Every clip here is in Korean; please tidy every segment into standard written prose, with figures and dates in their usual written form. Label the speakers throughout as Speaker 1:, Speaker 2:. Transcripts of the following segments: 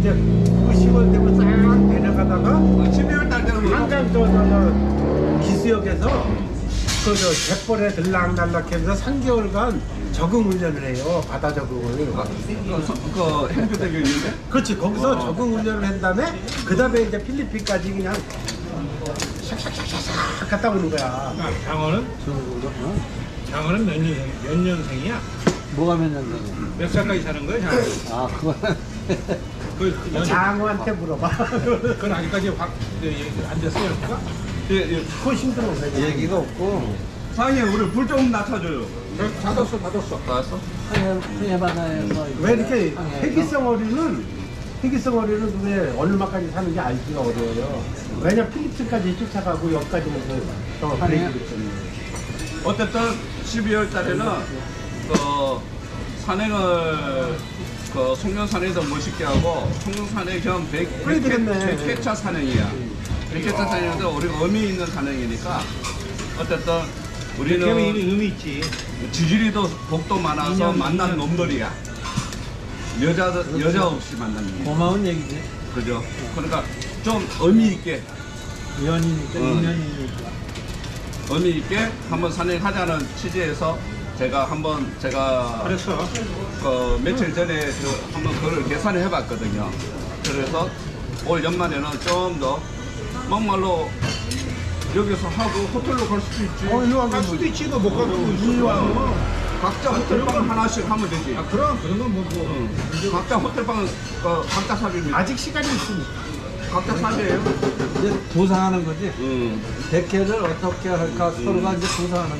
Speaker 1: 이제 그 10월 되고 싹 내려가다가
Speaker 2: 12월 달 되면
Speaker 1: 한강 저 기수역에서 그저 갯벌에 들락날락해서 3개월간 적응 훈련을 해요. 바다 적응을.
Speaker 2: 그 행주대교인데
Speaker 1: 그렇지. 거기서 적응 훈련을 한 다음에 그 다음에 이제 필리핀까지 그냥 샥샥샥샥 갔다 오는 거야.
Speaker 3: 장어는? 장어는 몇 년생이야?
Speaker 4: 뭐가 몇 년생이야?
Speaker 3: 몇 살까지 사는 거야, 장어?
Speaker 4: 아, 그거는.
Speaker 1: 장어한테 물어봐.
Speaker 3: 그건 아직까지 안 됐어요, 그러니까?
Speaker 1: 그거 힘들어.
Speaker 4: 얘기가 없고,
Speaker 2: 사장님 우리 불 좀 낮춰줘요.
Speaker 3: 닫았어.
Speaker 2: 알았어?
Speaker 4: 해바다에서.
Speaker 1: 왜 이렇게
Speaker 4: 항해에서
Speaker 1: 회기성 어류는 왜 어느 맛까지 사는 게 알기가 어려워요. 왜냐 필리핀까지 쫓아가고 여기까지는 더 브레이크기 때문에.
Speaker 2: 어쨌든 12월 달에는 그 산행을 그 송년산에서 멋있게 하고 송년산의 겸
Speaker 1: 그래 되겠네.
Speaker 2: 100회차 산행이야. 100회차 산행인데 우리가 의미 있는 산행이니까 어쨌든
Speaker 3: 걔는
Speaker 2: 우리는
Speaker 3: 이미 의미 있지.
Speaker 2: 지지리도 복도 많아서 만난 놈들이야. 여자 없이 만나는 놈.
Speaker 4: 고마운 얘기지.
Speaker 2: 그죠? 그러니까 좀 의미 있게
Speaker 4: 연이니까, 인연이니까.
Speaker 2: 의미 있게 한번 산행하자는 취지에서 제가
Speaker 3: 그랬어.
Speaker 2: 그 며칠 전에 한번 그걸 계산을 해봤거든요. 그래서 올 연말에는 좀 더 막말로 여기서 하고 호텔로 갈 수도 있지.
Speaker 3: 갈 수도 있지, 못 가고 있어.
Speaker 2: 각자 호텔방 하나씩 하면 되지.
Speaker 3: 아, 그런 건 뭐.
Speaker 2: 각자 호텔방은 각자 삽입니다.
Speaker 1: 아직 시간이 있으니까.
Speaker 2: 각자 삽이에요.
Speaker 4: 이제 도상하는 거지.
Speaker 2: 음.
Speaker 4: 백회를 어떻게 할까 서로가 이제 도상하는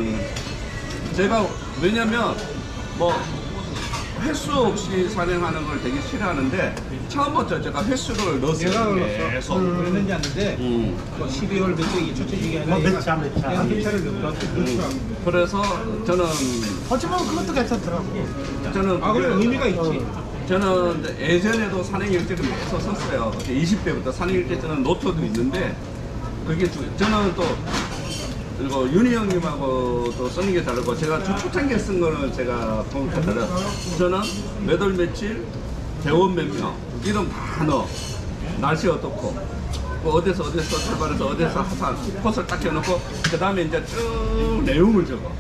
Speaker 4: 거지.
Speaker 2: 제가 왜냐면 뭐 횟수 없이 산행하는 걸 되게 싫어하는데 처음부터 제가 횟수를 넣었어요. 계속.
Speaker 3: 그랬는지 않는데, 뭐 12월 몇째 이게 첫째 주기 아니라.
Speaker 1: 몇 차.
Speaker 3: 한 회차를 넣었어.
Speaker 2: 그래서 저는
Speaker 1: 하지만 그것도 괜찮더라고.
Speaker 3: 아, 그래,
Speaker 2: 그게
Speaker 3: 의미가 있지.
Speaker 2: 저는 예전에도 산행 일지를 계속 썼어요. 20대부터 산행 일지 쓰는 노트도 있는데 그게 저는 또 그리고 윤희 형님하고 또 쓰는 게 다르고 제가 초창기에 쓴 거는 제가 보니까 달라요. 저는 몇 월 며칠 대원 몇 명 이름 다 넣어. 날씨 어떻고 뭐 어디서 출발해서 어디서 하산 코스를 딱 해놓고 그 다음에 이제 쭉 내용을 적어.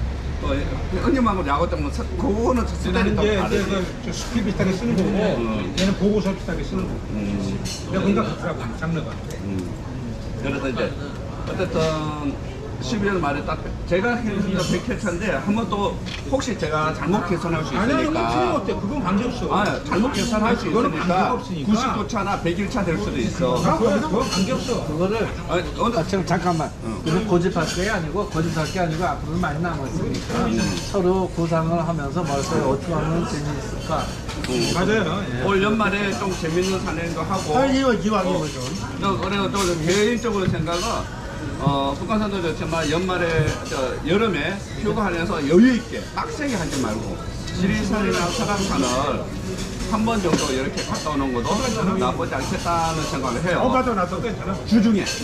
Speaker 2: 형님하고 야구 때문에 그거는
Speaker 3: 나는
Speaker 2: 스타일이
Speaker 3: 이제
Speaker 2: 좀 다르지.
Speaker 3: 저 스킬 비슷하게 쓰는 거고, 얘는 보고서 비슷하게 쓰는 거고. 내가 보니까 같더라고, 장르가.
Speaker 2: 그래서 이제 어쨌든 12월 말에 딱 제가 해주는 100회차인데 한번 또 혹시 제가 잘못 개선할 수
Speaker 3: 아니야, 이거
Speaker 2: 있으니까
Speaker 3: 틀림없대. 그건 관계없어.
Speaker 2: 아 잘못 개선할 수
Speaker 3: 그거는
Speaker 2: 있으니까
Speaker 3: 관계가 없으니까.
Speaker 2: 99차나 100일차 될 수도 있어.
Speaker 3: 그건 관계없어.
Speaker 4: 그거를,
Speaker 2: 아니,
Speaker 4: 아, 지금 잠깐만. 이거 고집할 게 아니고, 고집할 게 아니고, 앞으로 많이 남았으니까. 서로 구상을 하면서 뭘까요? 어떻게 하면 재미있을까?
Speaker 3: 맞아요. 예.
Speaker 2: 올 연말에 좀 재밌는 산행도 하고
Speaker 1: 이왕이면 좀.
Speaker 2: 그리고 또 개인적으로 생각은 북한산도 좋지만 연말에 여름에 휴가하면서 여유 있게 빡세게 하지 말고 지리산이나 설악산을 한 번 정도 이렇게 갔다 오는 것도 나쁘지 않겠다는 생각을 해요.
Speaker 1: 맞아, 나도 괜찮아.
Speaker 2: 주중에